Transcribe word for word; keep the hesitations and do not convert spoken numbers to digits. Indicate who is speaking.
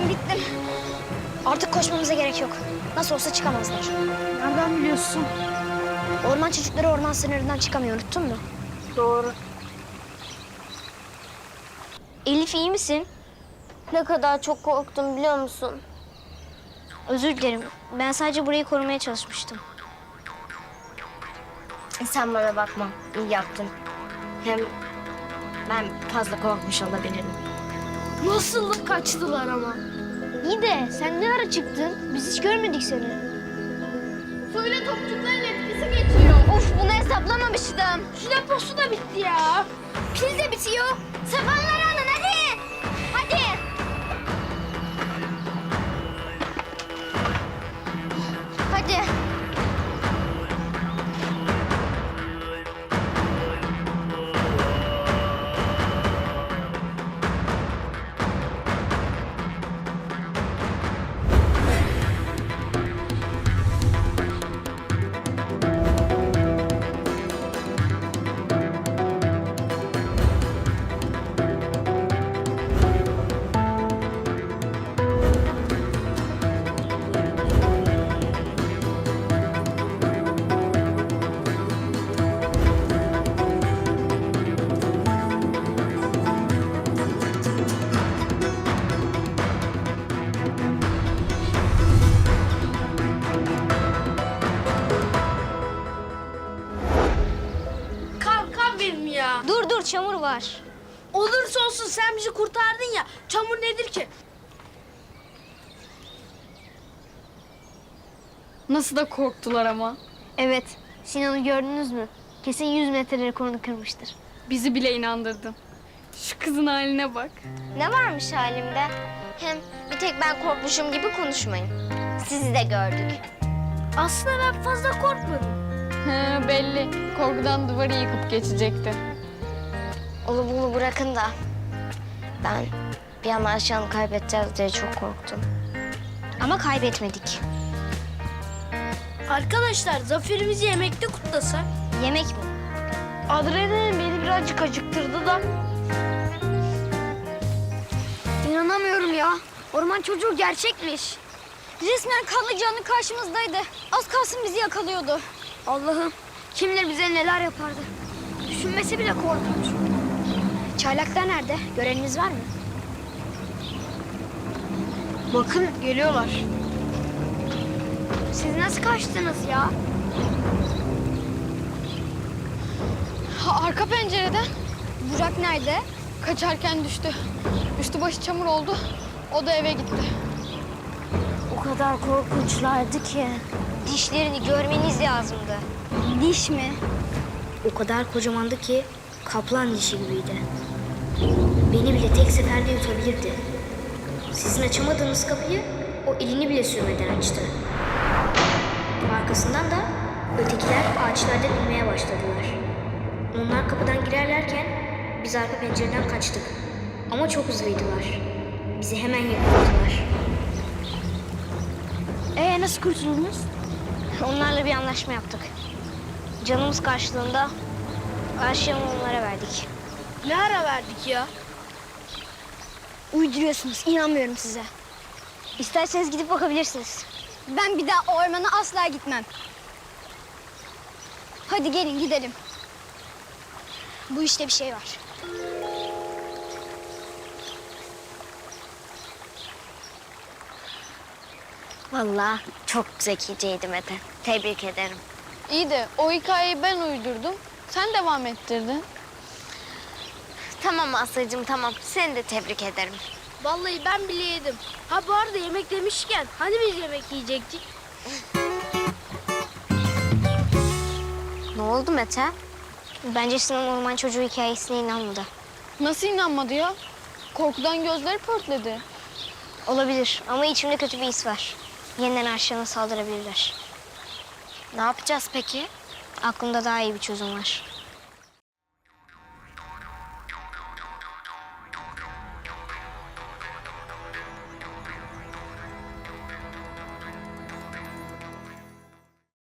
Speaker 1: Ben bittim. Artık koşmamıza gerek yok. Nasıl olsa çıkamazlar.
Speaker 2: Nereden biliyorsun?
Speaker 1: Orman çocukları orman sınırından çıkamıyor, unuttun mu?
Speaker 2: Doğru.
Speaker 1: Elif, iyi misin?
Speaker 3: Ne kadar çok korktum biliyor musun?
Speaker 1: Özür dilerim. Ben sadece burayı korumaya çalışmıştım.
Speaker 3: Sen bana bakma. İyi yaptın. Hem ben fazla korkmuş olabilirim.
Speaker 2: Nasıl kaçtılar ama?
Speaker 1: İyi de sen ne ara çıktın? Biz hiç görmedik seni.
Speaker 2: Söyle topçukların etkisi geçiyor.
Speaker 3: Of, bunu hesaplamamıştım.
Speaker 2: Şu deposu da bitti ya.
Speaker 1: Pil de bitiyor. Sapanları alın hadi. Hadi.
Speaker 3: Hadi.
Speaker 2: Kankam benim ya.
Speaker 1: Dur dur, çamur var.
Speaker 2: Olursa olsun sen bizi kurtardın ya. Çamur nedir ki?
Speaker 4: Nasıl da korktular ama.
Speaker 1: Evet. Sinan'ı gördünüz mü? Kesin yüz metre rekorunu kırmıştır.
Speaker 4: Bizi bile inandırdın. Şu kızın haline bak.
Speaker 3: Ne varmış halimde? Hem bir tek ben korkmuşum gibi konuşmayın. Sizi de gördük.
Speaker 2: Aslında ben fazla korkmadım.
Speaker 4: He, belli. Korkudan duvarı yıkıp geçecekti.
Speaker 3: Onu bunu bırakın da ben bir an Ayşe'yi kaybedeceğiz diye çok korktum.
Speaker 1: Ama kaybetmedik.
Speaker 2: Arkadaşlar zaferimizi yemekte kutlasak.
Speaker 1: Yemek mi?
Speaker 2: Adrenalin beni birazcık acıktırdı da.
Speaker 1: İnanamıyorum ya. Orman çocuğu gerçekmiş. Resmen kanlı canlı karşımızdaydı. Az kalsın bizi yakalıyordu. Allah'ım, kim bilir bize neler yapardı. Düşünmesi bile korkunç. Çaylaklar nerede? Göreniniz var mı?
Speaker 2: Bakın geliyorlar.
Speaker 1: Siz nasıl kaçtınız ya?
Speaker 4: Ha, arka pencereden
Speaker 1: Burak nerede?
Speaker 4: kaçarken düştü. Üstü başı çamur oldu. O da eve gitti.
Speaker 3: O kadar korkunçlardı ki.
Speaker 1: Dişlerini görmeniz lazımdı. Diş mi?
Speaker 5: O kadar kocamandı ki kaplan dişi gibiydi. Beni bile tek seferde yutabilirdi. Sizin açamadığınız kapıyı o elini bile sürmeden açtı. Arkasından da ötekiler ağaçlardan inmeye başladılar. Onlar kapıdan girerlerken biz arka pencereden kaçtık. Ama çok hızlıydılar. Bizi hemen yakaladılar.
Speaker 1: Ee nasıl kurtuldunuz? Onlarla bir anlaşma yaptık. Canımız karşılığında Ayşe'yi onlara verdik.
Speaker 2: Ne ara verdik ya?
Speaker 1: Uyduruyorsunuz, inanmıyorum size. İsterseniz gidip bakabilirsiniz. Ben bir daha o ormana asla gitmem. Hadi gelin gidelim. Bu işte bir şey var.
Speaker 3: Vallahi çok zekiceydi Mete. Tebrik ederim.
Speaker 4: İyi de o hikayeyi ben uydurdum. Sen devam ettirdin.
Speaker 3: Tamam Aslı'cığım tamam. Seni de tebrik ederim.
Speaker 2: Vallahi ben bile yedim. Ha bu arada yemek demişken hani biz yemek yiyecektik?
Speaker 3: Ne oldu Mete?
Speaker 1: Bence Sinan orman çocuğu hikayesine inanmadı.
Speaker 4: Nasıl inanmadı ya? Korkudan gözleri pörtledi.
Speaker 1: Olabilir ama içimde kötü bir his var. Yeniden Arşan'a saldırabilirler.
Speaker 3: Ne yapacağız peki?
Speaker 1: Aklımda daha iyi bir çözüm var.